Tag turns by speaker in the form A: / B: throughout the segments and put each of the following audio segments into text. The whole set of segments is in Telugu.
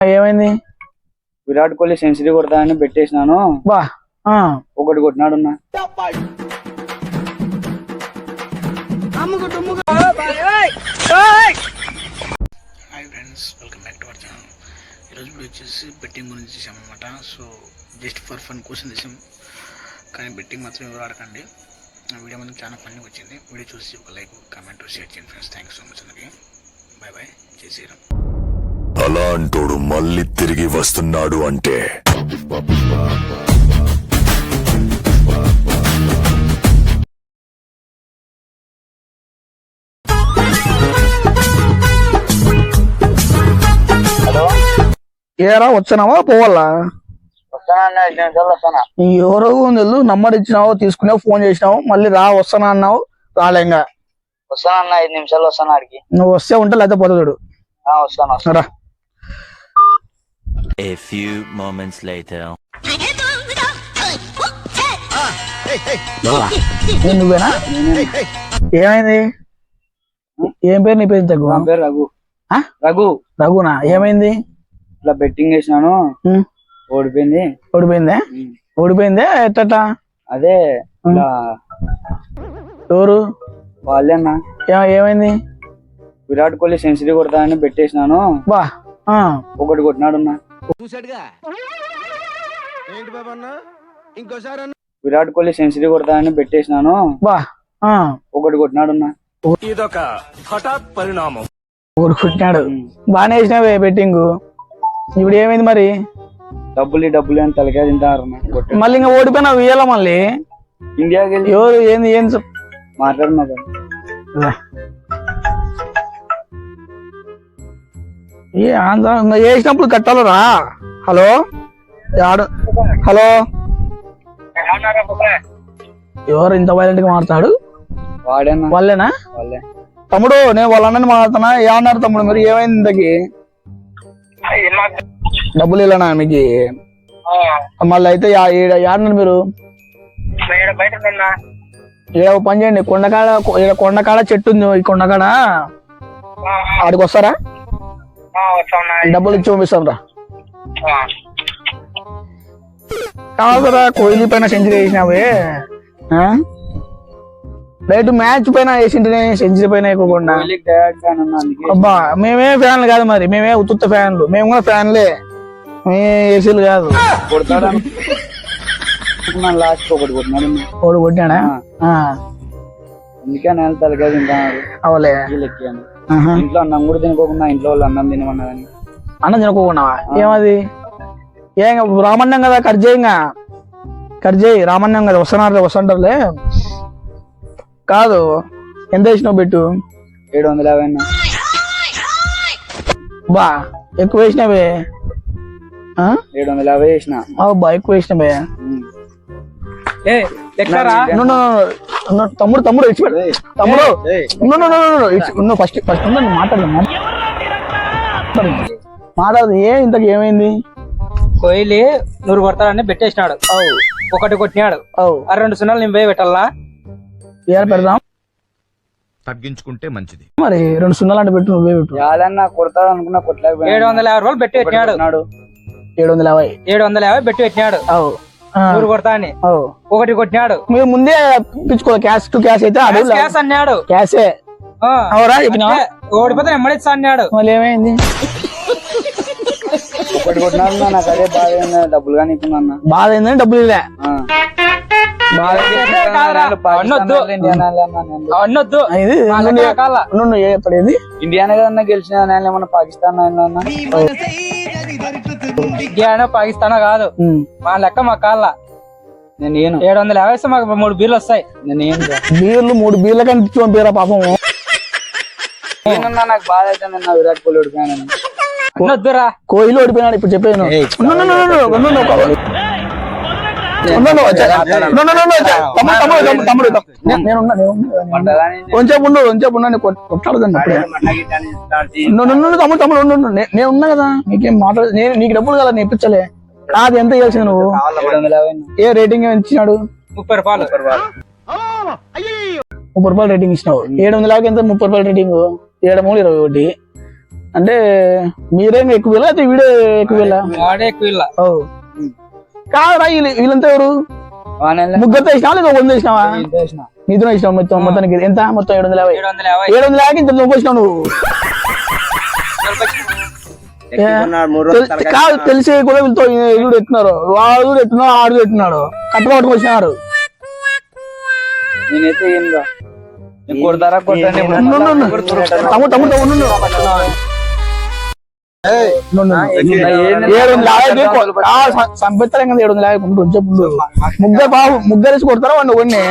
A: ఏమైంది?
B: విరాట్ కోహ్లీ సెంచరీ కొడతానని పెట్టేసినాను.
A: బా
B: ఒకటి కొట్టినాడు.
C: Hi friends, welcome back to our channel. ఈరోజు వీడియో వచ్చేసి బెట్టింగ్ గురించి చేసామన్నమాట. సో జస్ట్ ఫర్ ఫన్ కోసం చేసాం, కానీ బెట్టింగ్ మాత్రం ఎవరు ఆడకండి. వీడియో మనకి చాలా ఫన్నీ వచ్చింది. వీడియో చూసి ఒక లైక్, కామెంట్, షేర్ చేయండి friends. Thank you so much అందరికి. బాయ్ బాయ్, చేసేయడం.
D: అలాంటోడు మళ్ళీ తిరిగి వస్తున్నాడు అంటే
A: ఏరా వచ్చానావా పోవాలా? ఎవరో తెలు నంబర్ ఇచ్చినావు, తీసుకున్నావు, ఫోన్ చేసినావు, మళ్ళీ రా వస్తానా అన్నావు, రాలేంగా.
B: వస్తానన్నా 5 నిమిషాలు వస్తాను. ఆడికి
A: నువ్వు వస్తే ఉంటే లేకపోతే పోతాడు.
B: వస్తాను
A: రా.
E: A few moments later.
A: నువ్వేనా? ఏమైంది? ఏం పేరు నీ పేరు? తగ్గు.
B: పేరు రఘు. రఘు.
A: రఘునా? ఏమైంది?
B: ఇట్లా బెట్టింగ్ వేసినాను, ఓడిపోయింది.
A: ఓడిపోయిందే ఎట్ట?
B: అదే
A: ఎవరు
B: వాళ్ళే అన్న.
A: ఏమైంది?
B: విరాట్ కోహ్లీ సెంచరీ కొడతానని పెట్టేసినాను.
A: బా
B: ఒకటి కొట్టినాడు. విరాట్ కోహ్లీ సెంచరీ కొడతానని పెట్టేసినాను.
A: బా
B: ఒకటి కొట్టినాడు.
D: ఇదొక హఠాత్ పరిణామం.
A: ఒకటి కొట్టినాడు. బాగానే వేసినావే బెట్టింగ్. ఇప్పుడు ఏమైంది మరి?
B: డబ్బులు అని తలకాయ తింటారు.
A: మళ్ళీ ఇంకా ఓడిపోయినావు, ఇయ్యాల మళ్ళీ
B: ఇండియాకి వెళ్ళి
A: ఎవరు ఏంది
B: మాట్లాడున్నా.
A: వేసినప్పుడు కట్టాలరా. హలో హలో, ఎవరు ఇంత వైలెంట్ గా మాట్లాడు?
B: వాడేనా?
A: వాళ్ళేనా?
B: వాళ్ళే.
A: తమ్ముడు నేను వాళ్ళ అన్నని మాట్లాడుతున్నా. ఏమన్నారు తమ్ముడు మీరు? ఏమైంది ఇంతకి? డబ్బులు ఇలానా మీకు? మళ్ళీ అయితే ఏడన్నారు మీరు? ఏదో పని చేయండి, కొండకాడ చెట్టు ఉంది, ఈ కొండకాడ ఆడికి వస్తారా? డబ్బులు ఇచ్చి పంపిస్తాం రా. కాదురా, కోహ్లీ పైన సెంచరీ వేసినావే, రైట్ మ్యాచ్ పైన వేసింటేనే సెంచరీ పైన ఎక్కువకుండా. అబ్బా మేమే ఫ్యాన్లు కాదు మరి, మేమే ఉత్తుత్త ఫ్యాన్లు. మేము కూడా ఫ్యాన్లే, ఏసీలు కాదు.
B: లాస్ట్ ఒకటి కొట్టినాడు.
A: ఒకటి కొట్టినాడా?
B: అందుకే నేను తలకాయ తింటాను.
A: అవలే
B: ఎక్కాను. ఇంట్లో అన్నం కూడా తినుకోకుండా ఇంట్లో వాళ్ళు అన్నం తినమన్నా కానీ
A: అన్నం తినుకోకున్నావా? ఏమది? ఏం రామన్నం కదా, కట్ చేయి. రామన్నం కదా, వస్తుంటారులే. కాదు, ఎంత వేసినావు బెట్టు?
B: 750.
A: బా ఎక్కువ వేసినావే.
B: 750 వేసిన.
A: బా ఎక్కువ వేసినావే. తమ్ముడు ఇచ్చిపెట్టు. తమ్ముడు ఫస్ట్ మాట్లాడదు. ఇంతకు ఏమైంది?
F: కోహ్లీ 100 కొడతాడని పెట్టేసినాడు. ఒకటి కొట్టినాడు. 2 సున్నాలు నేను పోయి పెట్టాలా?
A: పెడదాం,
E: తగ్గించుకుంటే మంచిది.
A: మరి 2 సున్నాలు అంటే పెట్టు, నువ్వే పెట్టు.
B: చాలన్నా కొడతాడు అనుకున్నా, కొట్టలేకపోయాడు.
F: 750 రూపాయలు పెట్టి పెట్టినాడు.
A: 750
F: పెట్టి పెట్టినాడు. 100 కొడతా అని ఒకటి కొట్టినాడు.
A: మీరు ముందే పిచ్చుకో, క్యాష్ టు క్యాష్ అయితే
F: క్యాష్ అన్నాడు.
A: క్యాషే
F: ఓడిపోతే ఎమ్మడిస్తా అన్నాడు.
A: మళ్ళీ ఏమైంది?
B: ఒకటి కొట్టినాడు. నాకు అదే బాధ అయింది. డబ్బులు కానీ
A: బాధ అయిందని డబ్బులు ఇలా
B: ఇండియానే కదన్నా గెలిచిన. ఏమన్నా పాకిస్తాన్
F: ఇండియానో పాకిస్తానో కాదు, మా లెక్క మా కాళ్ళ.
B: నేను
F: 750 ఇస్తే మాకు 3 బీర్లు వస్తాయి.
A: బీర్లు 3 బీర్ల కంటే పంపిరా పాపం.
B: నాకు బాధ అయితే విరాట్ కోహ్లీ ఓడిపోయాను.
F: వద్దురా,
A: కోహ్లీ ఓడిపోయినాడు. ఇప్పుడు చెప్పాను. కొంచెం కొట్లాడదండి. నేను ఉన్నా కదా, నీకేం మాట్లాడదు. నీకు డబ్బులు కదా, నేను ఇప్పించలే. కాదు, ఎంత చేయాల్సింది నువ్వు? ఏ రేటింగ్ ఇచ్చినాడు?
F: 30 రూపాయలు.
A: 30 రూపాయలు రేటింగ్ ఇచ్చినావు. 750 ఎంత? 30 రూపాయలు రేటింగ్. 7 3 21. అంటే మీరేం ఎక్కువ వీళ్ళ అయితే వీడే ఎక్కువ వీళ్ళ
F: వాడే ఎక్కువ వీళ్ళ.
A: ఓ కాదురా వీళ్ళంతా ఎవరు ముగ్గురు వేసినావా లేదా 100 వేసినావా నీతో వేసినావు మొత్తానికి ఎంత మొత్తం 750
F: 750.
A: 750 ఇంత వచ్చినావు నువ్వు కాదు తెలిసి కూడా వీళ్ళతో వీడు ఎత్తున్నారు వాడు కూడా ఎత్తున్నాడు ఆడు ఎత్తున్నాడు కట్టలు పట్టుకు వచ్చినారు
B: నేనైతే ఏం రా కొడతారా కొట్టండి
A: తమ్ముడు సంపెత్తారు కదా 750 చెప్పు ముగ్గురేసి కొడతారా వాడిని కొన్ని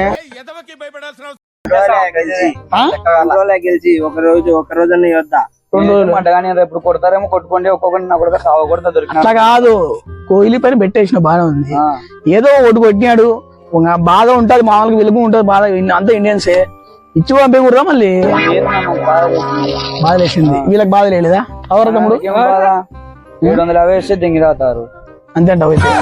B: గెలిచి ఒక రోజు వద్దా 2 రోజులు అంటగానే ఎప్పుడు కొడతారేమో కొట్టుకోండి ఒక్కొక్కటి నా కొడుకు సావ కొడతా దొరికిన
A: అట్లా కాదు కోహ్లీ పైన పెట్టేసిన బాగా ఉంది ఏదో ఒకటి కొట్టినాడు బాధ ఉంటది మామూలుగా వెలుగు ఉంటది బాధ అంతా ఇండియన్సే ఇచ్చి పంపేకూడదా మళ్ళీ బాధ వేసింది వీళ్ళకి బాధ లేదా అవరా తమ్ముడు
B: 750 వేస్తే దింగి రాతారు
A: అంతే అంటావు అయితే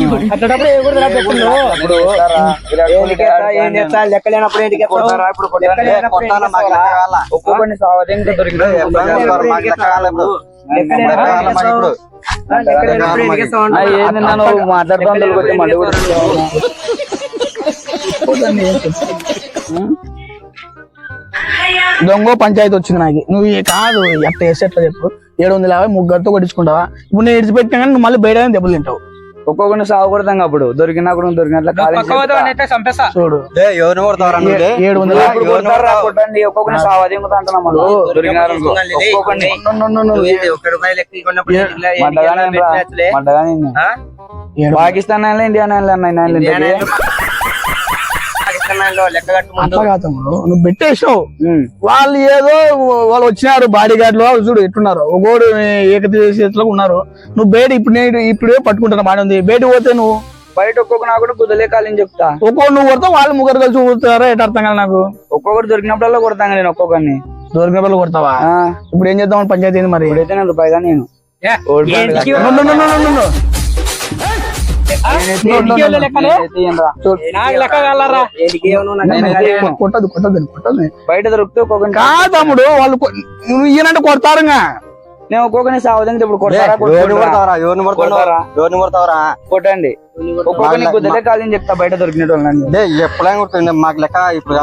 B: ఒక్కొక్కరిని సావధింగా దొరికిన మాట్లాడుతాను మళ్ళీ కూడా
A: దొంగ పంచాయతీ వచ్చింది నాకు నువ్వు కాదు ఎట్ట వేస్తే ఎట్లా చెప్పు 750 ముగ్గురితో కొట్టించుకుంటావా ఇప్పుడు నేను ఇడిచిపెట్టినా కానీ నువ్వు మళ్ళీ బయట దెబ్బలు తింటావు
B: ఒక్కొక్కరిని సాగు కొడతాం అప్పుడు దొరికినప్పుడు దొరికినట్ల
F: చంపేస్తా
A: చూడు 750
B: కొట్టండి ఒక్కొక్కరిని సావది అంటున్నాం పాకిస్తాన్ ఇండియా
A: అట్లా కాదు నువ్వు పెట్టేసావు వాళ్ళు ఏదో వాళ్ళు వచ్చినారు బాడీ గార్డులు చూడు ఎట్టున్నారు ఒకడు ఏకచేతిలో ఉన్నారు నువ్వు బయట ఇప్పుడే పట్టుకుంటున్నా బాడీ ఉంది బయట పోతే నువ్వు
B: బయట ఒక్కొక్క నాకు కూడా కుదలే కాలని చెప్తా
A: ఒక్కొక్కరు నువ్వు కొడతావు వాళ్ళు ముగ్గురు కలిసి ఊరుతారా ఎటు అర్థం కదా నాకు
B: ఒక్కొక్కరు దొరికినప్పుడల్లా కొడతాను నేను ఒక్కొక్కరిని
A: దొరికినప్పుడు కొడతావా ఇప్పుడు ఏం చేద్దాం పంచాయతీ ఏంది మరి
B: ఇప్పుడైతే నేను రూపాయిగా నేను
A: కొట్టదు
B: బయట దొరికితే ఒక్కొక్కరిని
A: కాదు తమ్ముడు వాళ్ళు నువ్వు ఈయనంటే కొడతారు
B: నేను ఒక్కొక్కరిని సావదంగా ఇప్పుడు కొడతారా కొట్టండి ఒక్కొక్కరిని కుదలే కాలని చెప్తా బయట దొరికిన వాళ్ళని
G: ఎప్పుడైనా కొడుతుంది మాకు లెక్క ఇప్పుడు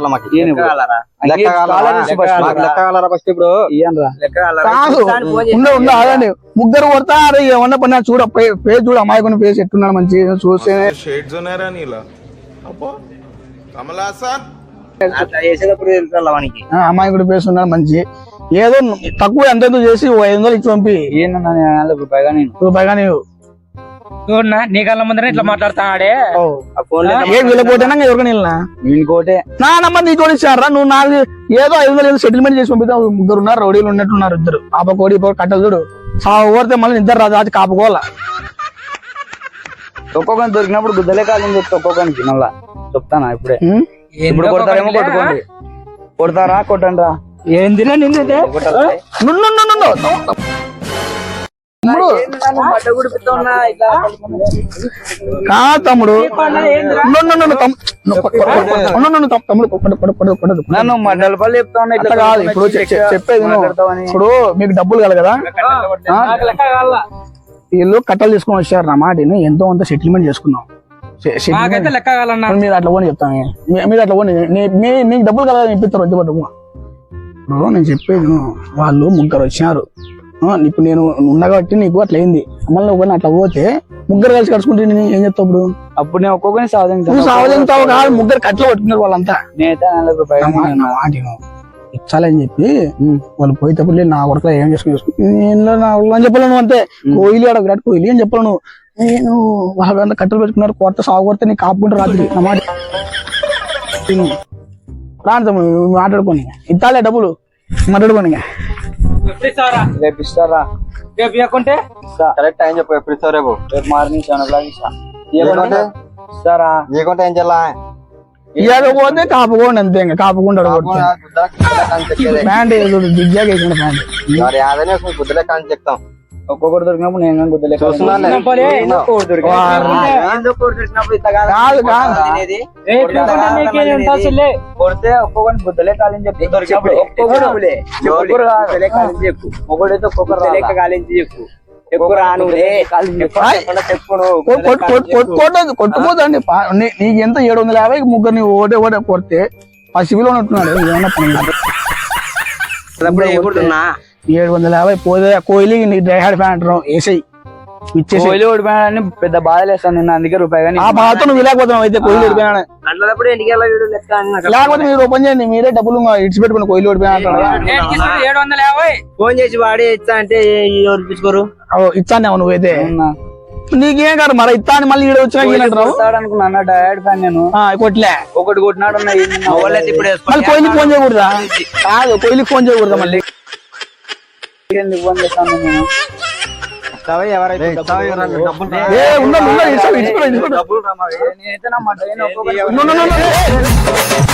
A: ఆగండి ముగ్గురు కొడతారు ఏమన్నా పని చూడ పేరు చూడు అమ్మాయి పేరు ఎట్టున్నాడు మంచి చూస్తే అమ్మాయి కూడా పేరు ఉన్నాడు మంచి ఏదో తక్కువ ఎంత చేసి 500 ఇచ్చి పంపి రూపాయిగా నీవు
F: నీ కళ్ళ ముందర ఇట్లా మాట్లాడతాడే
A: వీళ్ళపోతేనా ఎవరికైనా
B: ఇంకోటే
A: నా నంబర్ నీకు ఇచ్చారా నువ్వు నాకు ఏదో 500 సెటిల్మెంట్ చేసి పంపిస్తావు ముగ్గురు ఉన్నారు రౌడీలు ఉన్నట్టున్నారు ఇద్దరు ఆపకోడి కట్టలు చూడు ఓడితే మళ్ళీ నిద్ర రాదు అది కాపుకోవాలా
B: ఒక్కొక్కరిని దొరికినప్పుడు గుద్దలే కాదని చెప్తా ఒక్కొక్కరికి మళ్ళా చెప్తానా ఇప్పుడే ఇప్పుడు కొడతారేమో కొట్టుకోండి కొడతారా కొట్టండి రా
F: ఏందిరా నిన్నదే
A: తమ్ముడు
B: నన్ను మండలపల్లి చెప్తా ఉన్నా ఇట్లా
A: కాదు ఇప్పుడు చెప్పేది ఇప్పుడు మీకు డబ్బులు కలగదా వీళ్ళు కట్టలు తీసుకొని వచ్చారు నా మాటని ఎంతో అంత సెటిల్మెంట్ చేసుకున్నాం మీరు అట్లా పోనీ చెప్తాను మీరు అట్లా పోనీ నీకు డబ్బులు కలగాలని ఇప్పిస్తారు వద్దు పట్టు ఇప్పుడు నేను చెప్పేది వాళ్ళు ముగ్గురు వచ్చినారు ఇప్పుడు నేను ఉన్నా కాబట్టి నీకు అట్లా అయింది మళ్ళీ ఒకరిని అట్లా పోతే ముగ్గురు కలిసి కడుచుకుంటే నేను ఏం చెప్తావు ఇప్పుడు
B: అప్పుడు నేను ఒక్కొక్కరిని
A: సావదంతావు కాదు ముగ్గురు కట్టలు పట్టుకున్నారు వాళ్ళంతా ఇచ్చాలని చెప్పి వాళ్ళు పోయేటప్పుడు నా కొడుకులో ఏం చేసుకుని నేను నా అని చెప్పలేను అంతే కోహ్లీ ఆడ విరాట్ కోహ్లీ అని చెప్పలేను నేను వాళ్ళంతా కట్టలు పెట్టుకున్నారు కొత్త సాగు కొడితే నీకు కాపుకుంటే రాత్రి నా మాట రాను మాట్లాడుకోని ఇస్తాలే డబ్బులు మాట్లాడుకోని
B: రేపు ఇస్తారా
F: రేపు ఇవ్వకుంటే
G: కరెక్ట్ టైం చెప్పు ఎప్పుడు ఇస్తావు రేపు
B: రేపు మార్నింగ్ 7 o'clock ఇస్తారా
G: నీకుంటే ఏం చేయాలా
A: ఇవ్వకపోతే కాపుకోండి అంతే ఇంకా కాపుకుంటాడు ప్యాంట్ దిగ్జాగ్ వేసిన ప్యాంట్
G: గుద్దలే కానీ చెప్తాం
B: ఒక్కొక్కటి దొరికినప్పుడు నేను కానీ గుద్దలేక
G: చూస్తున్నానులే.
F: పోలే, ఎందుకు దొరికింది?
A: కాదు కాదు
F: రేట్లు కూడా నీకేం ఎంత అసలే?
B: కొడితే ఒక్కొక్కటి గుద్దలే కాలని చెప్పి దొరికినప్పుడు ఒక్కొక్కడైతే ఒక్కొక్కరు లెక్క కాలించి చెప్పు ఎక్కువ రాను
A: కొట్టుకోదండి నీకు ఎంత 750 ముగ్గురు నీ ఓటే కొడితే పసిపిలో ఉంటున్నాడు ఏమన్నా పని కాదు. 750 పోతే కోహ్లీ నీకు డ్రై హార్డ్ ఫ్యాన్ అంటారు వేసాయి ఇచ్చేసి
B: కోహ్లీ ఓడిపోయాడని పెద్ద బాధలేస్తాను నేను అందుకే రూపాయి కానీ
A: ఆ బాధతో నువ్వు విలేకపోతున్నావు అయితే కోహ్లీ ఓడిపోయినా
B: అట్లప్పుడు ఇంటికి వెళ్ళా వీడు లెక్క
A: లేకపోతే మీరు ఓపెన్ చేయండి మీరే డబ్బులు ఇడిచి పెట్టుకుని కోహ్లీ ఓడిపోయినా అంటారు
F: నేను తీసుకుంటే 750.
B: ఫోన్ చేసి వాడి ఇచ్చా అంటే ఎవరిపించుకోరు
A: ఇచ్చాను నువ్వైతే నీకేం కాదు మరి ఇత్తా అని మళ్ళీ ఈడ వచ్చినా ఈయనంటారు
B: అనుకున్నా డైరెక్ట్ ఫ్యాన్ నేను
A: కొట్లే
B: ఒకటి కొట్టినాడు ఇప్పుడు
A: మళ్ళీ కోహ్లీకి ఫోన్ చేయకూడదా కాదు కోహ్లీకి ఫోన్ చేయకూడదా మళ్ళీ
B: ఫోన్ చేస్తాను నేను
A: ఏ ఉండండి, ఉండండి, ఇచ్చుకోండి, ఇచ్చుకోండి, ఇచ్చుకోండి.
B: నేనైతే నా మాట